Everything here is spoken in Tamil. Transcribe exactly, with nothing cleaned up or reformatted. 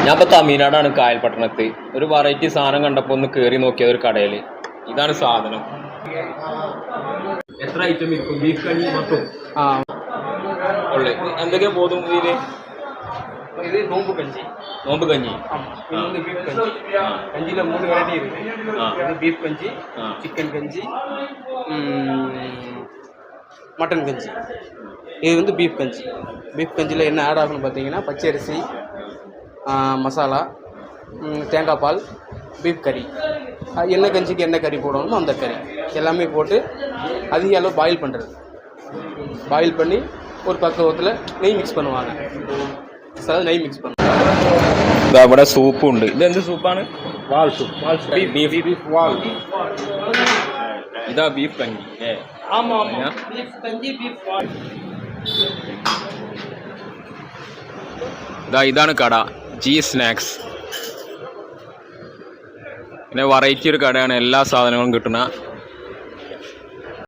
ഞാൻ ഇപ്പോൾ തമിഴ്നാടാണ് കായൽപട്ടണത്ത്. ഒരു വെറൈറ്റി സാധനം കണ്ടപ്പോൾ ഒന്ന് കയറി നോക്കിയത് ഒരു കടയിൽ. ഇതാണ് സാധനം. എത്ര ഐറ്റം ഇരിക്കും? ബീഫ് കഞ്ഞി മൊത്തം ഉള്ളു. എന്തൊക്കെയാ പോകും ഇതിൽ? இது நோம்பு கஞ்சி. நோம்பு கஞ்சி. இது வந்து பீஃப் கஞ்சி. கஞ்சியில் மூணு வெரைட்டி இருக்கு. இது பீஃப் கஞ்சி, சிக்கன் கஞ்சி, மட்டன் கஞ்சி. இது வந்து பீஃப் கஞ்சி. பீஃப் கஞ்சியில் என்ன ஆட் ஆகும்னு பார்த்தீங்கன்னா பச்சரிசி, மசாலா, தேங்காய் பால், பீஃப் கறி, என்ன கஞ்சிக்கு என்ன கறி போடணுமோ அந்த கறி எல்லாமே போட்டு அதிக அளவு பாயில் பண்ணுறது. பாயில் பண்ணி ஒரு பக்குவத்தில் நெய் மிக்ஸ் பண்ணுவாங்க. நெய் மிக்ஸ் பண்ணுவாங்க. ഇവിടെ സൂപ്പും ഉണ്ട്. ഇത് എന്ത് സൂപ്പാണ്? വാൾ സൂപ്പ്. വാൾ സൂപ്പ്. ബീഫ് ബീഫ് വാൾ. ഇതാ ബീഫ് കഞ്ഞി. ആമാ ആമാ. ബീഫ് കഞ്ഞി ബീഫ് വാൾ. ഇതാ ഇതാണ് കട, ജി സ്നാക്സ്. പിന്നെ വെറൈറ്റി ഒരു കടയാണ്, എല്ലാ സാധനങ്ങളും കിട്ടുന്ന.